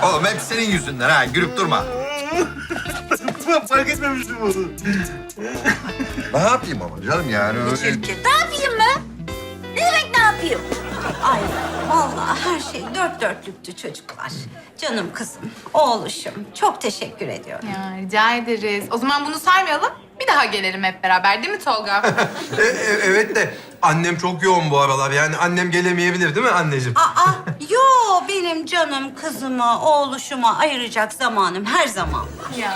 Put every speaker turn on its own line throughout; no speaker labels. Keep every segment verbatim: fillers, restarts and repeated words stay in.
Oğlum hep senin yüzünden ha. Gülüp durma.
Fark etmemiştim onu.
Ne yapayım ama canım yani öyle...
Çirkin. Ne yapayım mı? Ne demek ne yapayım? Ay vallahi her şey dört dörtlüktü çocuklar. Canım kızım, oğluşum. Çok teşekkür ediyorum.
Ya rica ederiz. O zaman bunu saymayalım. Bir daha gelelim hep beraber değil mi Tolga?
E, e, evet de annem çok yoğun bu aralar. Yani annem gelemeyebilir değil mi anneciğim?
Aa, yo benim canım kızıma, oğluşuma ayıracak zamanım her zaman var.
Ya.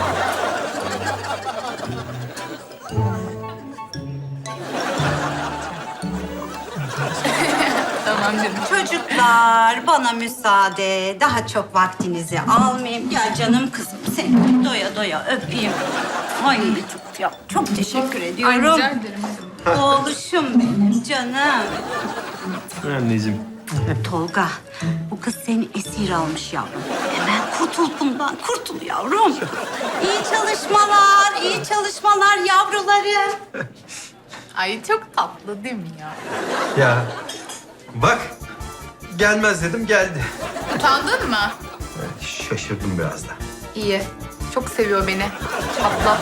Tamam canım.
Çocuklar bana müsaade. Daha çok vaktinizi almayayım. Ya canım kızım seni doya doya öpeyim. Ay çok, ya, çok teşekkür
Ay
ediyorum.
rica ederim.
Oğluşum benim canım.
Anneciğim.
Tolga, bu kız seni esir almış yavrum. Hemen kurtul bundan, kurtul yavrum. İyi çalışmalar, iyi çalışmalar yavrularım.
Ay çok tatlı değil mi ya?
Ya bak gelmez dedim geldi.
Utandın mı?
Şaşırdım biraz da.
İyi. Çok seviyor beni. Çatla.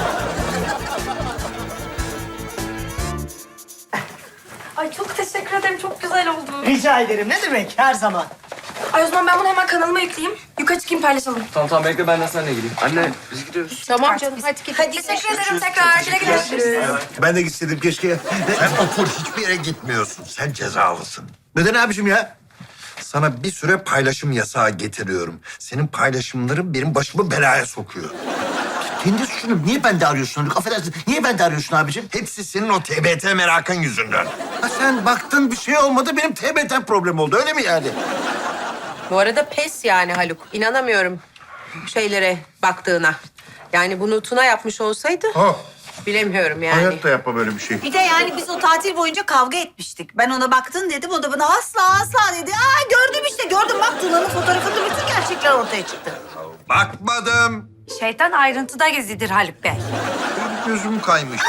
Ay çok teşekkür ederim. Çok güzel oldu.
Rica ederim. Ne demek? Her zaman.
Ay o zaman ben bunu hemen kanalıma yükleyeyim. Yukarı çıkayım paylaşalım.
Tamam tamam bekle ben de seninle geleyim. Anne biz gidiyoruz.
Tamam canım hadi git.
Hadi
Teşekkür ederim tekrar. Güle güle. Görüşürüz.
Ben de gitseydim keşke. Sen otur, hiçbir yere gitmiyorsun. Sen cezalısın.
Neden abiciğim ya?
Sana bir süre paylaşım yasağı getiriyorum. Senin paylaşımların benim başımı belaya sokuyor.
Kendi suçunu niye bende arıyorsun Haluk? Affedersin. Niye bende arıyorsun abiciğim?
Hepsi senin o T B T merakın yüzünden.
Ha sen baktın bir şey olmadı benim T B T problem oldu öyle mi yani?
Bu arada pes yani Haluk. İnanamıyorum şeylere baktığına. Yani bunu Tuna yapmış olsaydı
Oh.
bilemiyorum yani.
Hayatta yapma böyle bir şey.
Bir de yani biz o tatil boyunca kavga etmiştik. Ben ona baktın dedim, o da bana asla asla dedi. Aa gördüm işte, gördüm bak Tuna'nın fotoğrafında bütün gerçekler ortaya çıktı.
Bakmadım.
Şeytan ayrıntıda gezidir Haluk Bey.
Gözüm kaymış.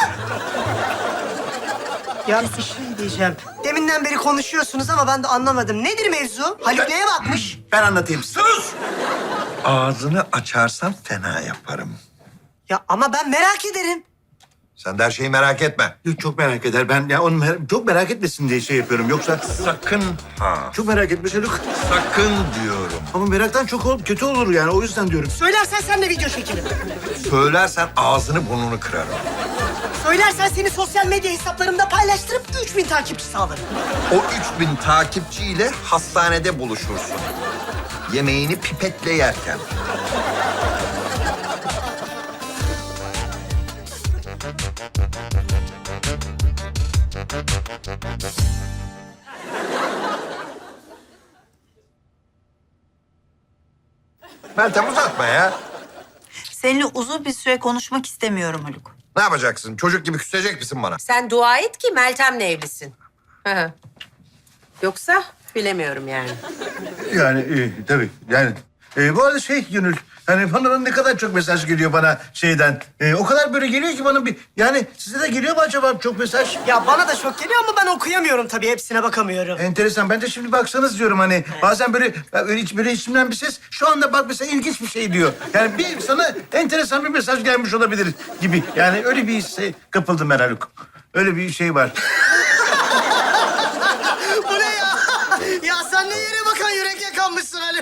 Ya bir şey diyeceğim. Deminden beri konuşuyorsunuz ama ben de anlamadım. Nedir mevzu? Haluk neye bakmış?
Ben anlatayım size.
Sus! Ağzını açarsan fena yaparım.
Ya ama ben merak ederim.
Sen de her şeyi merak etme.
Yok, çok merak eder. Ben ya onu mer- çok merak etmesin diye şey yapıyorum. Yoksa
Sakın ha.
çok merak etmiş Haluk.
Sakın diyorum.
Ama meraktan çok ol, kötü olur yani. O yüzden diyorum.
Söylersen sen de video çekelim.
Söylersen ağzını burnunu kırarım.
Söylersen seni sosyal medya hesaplarımda paylaştırıp üç bin takipçi sağlarım.
O üç bin takipçiyle hastanede buluşursun. Yemeğini pipetle yerken. Meltem uzatma ya.
Seninle uzun bir süre konuşmak istemiyorum Haluk.
Ne yapacaksın? Çocuk gibi küsecek misin bana?
Sen dua et ki Meltem'le evlisin. Hı hı. Yoksa bilemiyorum yani.
Yani e, tabii yani. E, bu arada şey Gönül, hani bana ne kadar çok mesaj geliyor bana şeyden. E, o kadar böyle geliyor ki bana bir... Yani size de geliyor mu acaba çok mesaj?
Ya bana da çok geliyor ama ben okuyamıyorum tabii. Hepsine bakamıyorum.
Enteresan. Ben de şimdi baksanız diyorum hani bazen böyle böyle, iç- böyle içimden bir ses şu anda bak mesela ilginç bir şey diyor. Yani bir sana enteresan bir mesaj gelmiş olabilir gibi. Yani öyle bir hisse kapıldım ben Haluk. Öyle bir şey var.
Bu ne ya? Ya sen ne yere bakan yürek yakanmışsın Ali?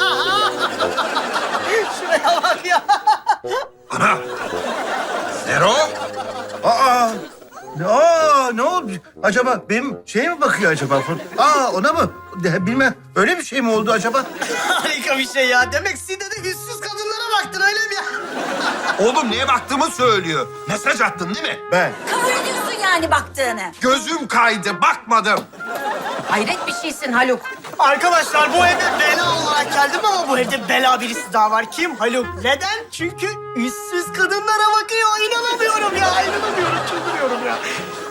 Şuraya bak ya.
Ana! Zero!
Aa! Aa ne oldu? Acaba benim şeye mi bakıyor acaba? Aa ona mı? De- Bilmem. Öyle bir şey mi oldu acaba?
Harika bir şey ya. Demek Side'de de yüzsüz kadınlara baktın öyle mi ya?
Oğlum neye baktığımı söylüyor. Mesaj attın değil mi?
Ben.
Kabul ediyorsun yani baktığını.
Gözüm kaydı, bakmadım.
Hayret bir şeysin Haluk.
Arkadaşlar bu eve bela olarak geldim ama bu evde bela birisi daha var. Kim? Haluk. Neden? Çünkü yüzsüz kadınlara bakıyor. İnanamıyorum ya. İnanamıyorum. Çıldırıyorum ya.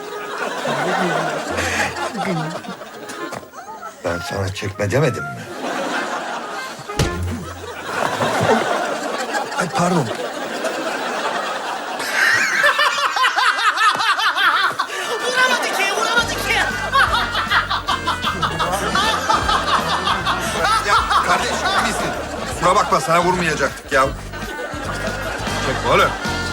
Ben sana çekme demedim mi? Ay pardon.
Vuramadı ki. Vuramadı ki.
Ya kardeş iyi misin? kusura bakma sana vurmayacaktık ya. Çekme oğlum.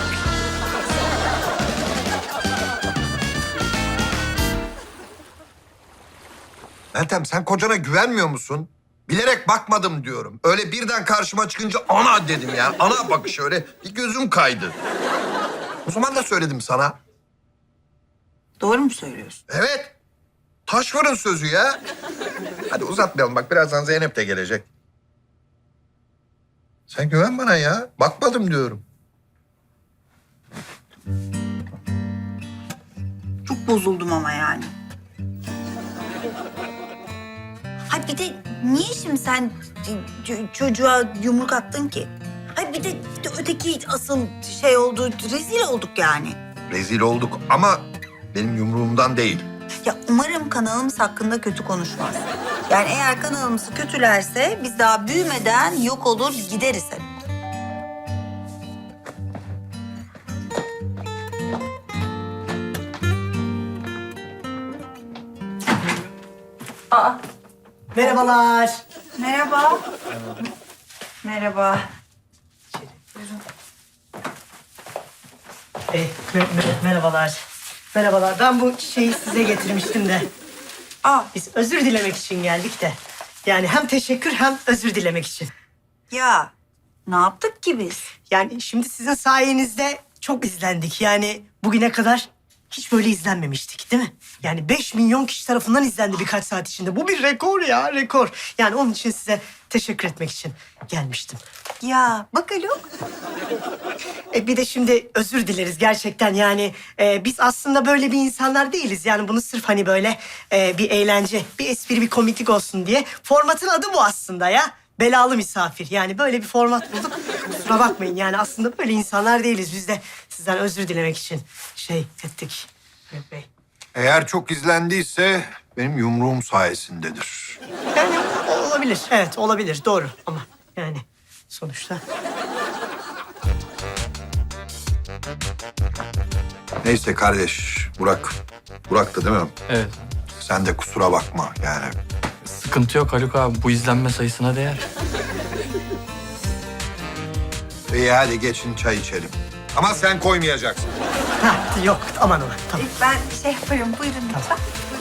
Meltem sen kocana güvenmiyor musun? Bilerek bakmadım diyorum. Öyle birden karşıma çıkınca ana dedim yani. Ana bakış öyle bir gözüm kaydı. O zaman da söyledim sana.
Doğru mu söylüyorsun?
Evet. Taş fırın sözü ya. Hadi uzatmayalım bak birazdan Zeynep de gelecek. Sen güven bana ya. Bakmadım diyorum.
Çok bozuldum ama yani. Hayır bir de niye şimdi sen ç- çocuğa yumruk attın ki? Hayır bir de, bir de öteki asıl şey oldu, rezil olduk yani.
Rezil olduk ama benim yumruğumdan değil.
Ya umarım kanalımız hakkında kötü konuşmaz. Yani eğer kanalımızı kötülerse biz daha büyümeden yok olur gideriz hep.
Merhabalar.
Merhaba. Merhaba.
E, me- me- merhabalar. Merhabalar. Ben bu şeyi size getirmiştim de.
Aa,
Biz özür dilemek için geldik de. Yani hem teşekkür hem özür dilemek için.
ya ne yaptık ki biz?
Yani şimdi sizin sayenizde çok izlendik. Yani bugüne kadar hiç böyle izlenmemiştik değil mi? Yani beş milyon kişi tarafından izlendi birkaç saat içinde. Bu bir rekor ya, rekor. Yani onun için size teşekkür etmek için gelmiştim.
Ya bak Haluk.
E bir de şimdi özür dileriz gerçekten yani e, biz aslında böyle bir insanlar değiliz. Yani bunu sırf hani böyle e, bir eğlence, bir espri, bir komiklik olsun diye. Formatın adı bu aslında ya. Belalı misafir. Yani böyle bir format bulduk. Kusura bakmayın yani aslında böyle insanlar değiliz. Biz de sizden özür dilemek için şey ettik. Mehmet Bey.
Eğer çok izlendiyse benim yumruğum sayesindedir.
Yani olabilir. Evet olabilir. Doğru ama yani sonuçta.
Neyse kardeş Burak. Burak'tı değil mi?
Evet.
Sen de kusura bakma yani.
Sıkıntı yok Haluk abi. Bu izlenme sayısına değer.
İyi hadi geçin çay içelim. Ama sen koymayacaksın.
Ha, yok aman aman tamam.
Ben şey yaparım buyurun lütfen.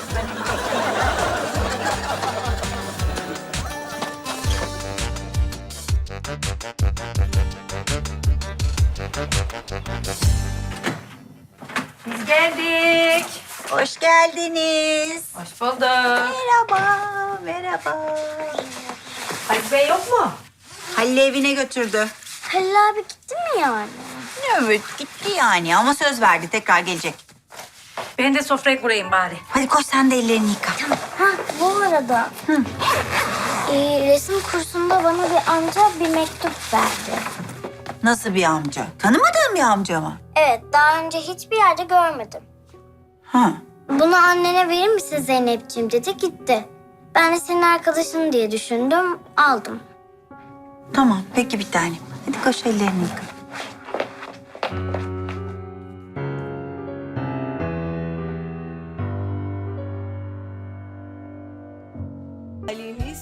Biz geldik.
Hoş geldiniz.
Hoş bulduk.
Merhaba, merhaba.
Haluk Bey yok mu?
Halil evine götürdü.
Halil abi gitti mi yani?
Evet gitti yani ama söz verdi tekrar gelecek.
Ben de sofrayı kurayım bari.
Hadi koş sen de ellerini yıka.
Ha bu arada Ee, resim kursunda bana bir amca bir mektup verdi.
Nasıl bir amca? Tanımadığın bir amca mı?
Evet daha önce hiçbir yerde görmedim.
Ha.
Bunu annene verir misin Zeynep'ciğim dedi gitti. Ben de senin arkadaşın diye düşündüm aldım.
Tamam peki bir tanem. Hadi koş ellerini yıka.